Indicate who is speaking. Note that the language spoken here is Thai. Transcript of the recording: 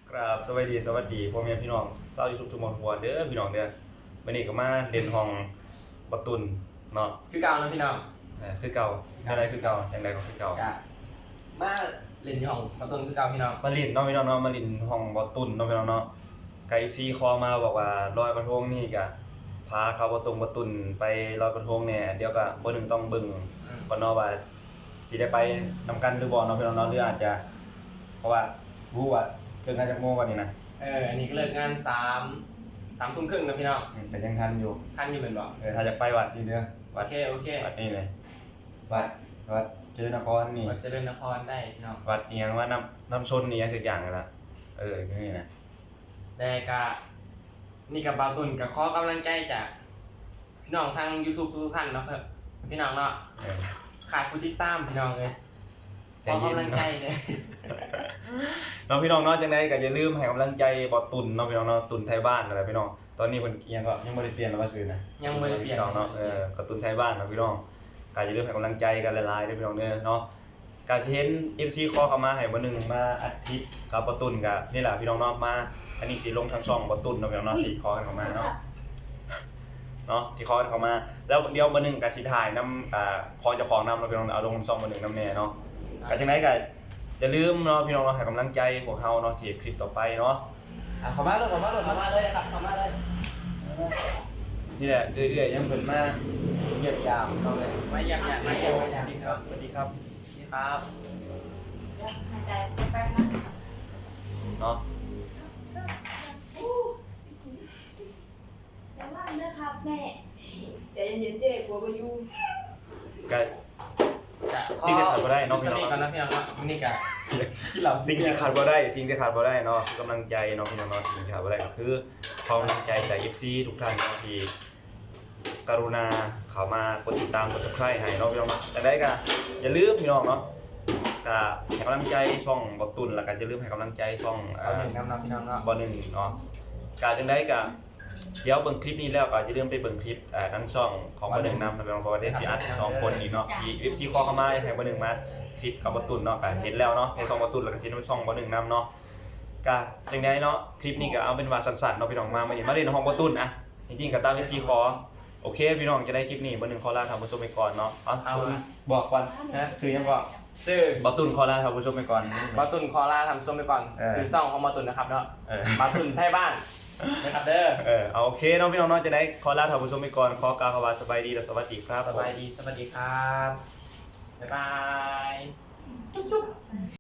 Speaker 1: ครับสวัสดีพ่อแม่พี่น้องชาวยูทูบทุกหมดหัวเด้อพี่น้องเด้อวันนี้ก็มาเล่นห้องบักตุนเนาะ
Speaker 2: คือเก่านะพี่น้อง
Speaker 1: คือเก่าอะไรคือเก่าจังไดก็คือเก่า
Speaker 2: มาเล่นที่ห้องประตูคือเก่าพี่น้อง
Speaker 1: มาเล่นเนาะพี่น้องเนาะมาเล่นห้องบักตุนเนาะพี่น้องเนาะไก่ซีคอมาบอกว่าลอยกระทงนี่ก็พาเขาบักตุนไปลอยกระทงเนี่ยเดี๋ยวก็บ่นึงต้องเบิ่งก่อนเนาะว่าสิได้ไปนำกันหรือบ่เนาะพี่น้องเนาะหรืออาจจะเพราะว่ารู้ว่าเลิกงานจากโมงวันนี้นะ
Speaker 2: อันนี้ก็เลิกงาน3 ทุ่มครึ่งนะพี่น้อง
Speaker 1: แต่ยังทันอยู่
Speaker 2: เป็นบ่
Speaker 1: ถ้าจะไปวัดนี่เด้อ
Speaker 2: โอเค
Speaker 1: วัดนี่เลยวัดเจริญนครนี่
Speaker 2: วัดเจริญนครได้พี่น้อง
Speaker 1: วัดเอียงว่าน้ำชนนี่ยังสักอย่างเลยละนี่นะ
Speaker 2: แต่ก็นี่กับบาวตุนกับขอกำลังใจจากพี่น้องทาง YouTube ทุกท่านเนาะครับพี่น้องเนาะขาดผู้ติดตามพี่น้องเลยขอกำลังใจเลย
Speaker 1: น้องพี่น้องเนาะจังได๋ก็อย่าลืมให้กำลังใจบ่ตุนเนาะพี่น้องเนาะตุนไทยบ้านอะไรพี่น้องตอนนี้เพิ่นยังก็ยังบ่ได้เปลี่ยนแล้วว่าซื้อนะ
Speaker 2: ยังบ่ได้เปลี่ยน
Speaker 1: เนาะก็ตุนไทยบ้านเนาะพี่น้องก็อย่าลืมให้กำลังใจกันหลายๆเด้อพี่น้องเด้อเนาะก็สิเห็น FC คอเข้ามาให้บ่นึงมาอาทิตย์กับบ่ตุนก็นี่แหละพี่น้องเนาะมาอันนี้สิลงทางช่องบ่ตุนเนาะพี่น้องเนาะที่คอกันเข้ามาเนาะที่คอกันเข้ามาแล้วเดี๋ยวบ่นึงก็สิถ่ายนำคอเจ้าของนำเนาะพี่น้องเอาลงช่องบ่นึงนำแน่เนาะก็จังได๋ก็อย่าลืมเนาะพี่น้องเนาะให้กำลังใจพวกเฮาเนาะสิคลิปต่อไปเนาะ
Speaker 2: เข้ามาเลยครับเข้ามาเลย
Speaker 1: นี่แหละเรื่อยๆยังเพิ่นมาเยียบยามเนาะเลย
Speaker 2: มาเยี่ยมมาเยี่ยม
Speaker 1: ครับสวัสดีครับ
Speaker 3: หายใจแป๊บนะ
Speaker 1: เนาะ
Speaker 3: อย่าลั่นนะครับแม่ใจเย็นๆเจ๊กลัวประยุ
Speaker 1: ก็สิ่งที่ขาดบ่ได้เนาะพี่น้อง
Speaker 2: ก่อนนะพี่น้องนี่ก็
Speaker 1: สิ่งที่ขาดบ่ได้เนาะกำลังใจเนาะพี่น้องเนาะสิ่งที่ขาดบ่ได้ก็คือความกำลังใจจาก FC ทุกท่านเนาะที่กรุณาเข้ามากดติดตามกด Subscribe ให้เนาะพี่น้องเนาะแต่ได้ก็อย่าลืมพี่น้องเนาะก็ให้กำลังใจช่องบ่ตุนแล้วก็อย่าลืมให้กำลังใจช่อง
Speaker 2: 1พี่น้องเนาะ
Speaker 1: บ่1เนาะก็จังได๋ก็เดี๋ยวเบิ่งคลิปนี้แล้วก็อย่าลืมไปเบิ่งคลิปทั้งช่องของบ่1นำนะพี่น้องเพราะว่าได้สิอัด2คนอีกเนาะที่ FC คอเข้ามาให้บ่1มาคลิปกับบ่ตุนเนาะก็เห็นแล้วเนาะในช่องบ่ตุนแล้วก็สิในช่องบ่1นำเนาะก็จังได๋เนาะคลิปนี้ก็เอาเป็นว่าสั้นๆเนาะพี่น้องมาเล่นห้องบ่ตุนอ่ะจริงๆก็ตาม FC คอโอเคพี่น้องจะได้คลิปนี้บ่1ขอลาท่านผู้ชมไปก่อนเนาะบอกก่อนนะชื่อยังบอก
Speaker 2: ชื่อ
Speaker 1: บ่ตุนขอลาท่านผู้ชมไปก่อน
Speaker 2: บ่ตุนขอลาท่านผู้ชมไปก่อนชื่อช่องของบ่ตุนนะครับเนาะบ่ตุนไทยบ้านนะครับเด้อ
Speaker 1: เอาโอเคเนาะพี่น้องเนาะจะได้ขอลาท่านผู้ชมไปก่อนขอกล่าวคำว่าสบายดีและสวัสดีครับ
Speaker 2: สบายดีสวัสดีครับบ๊ายบายจุ๊บ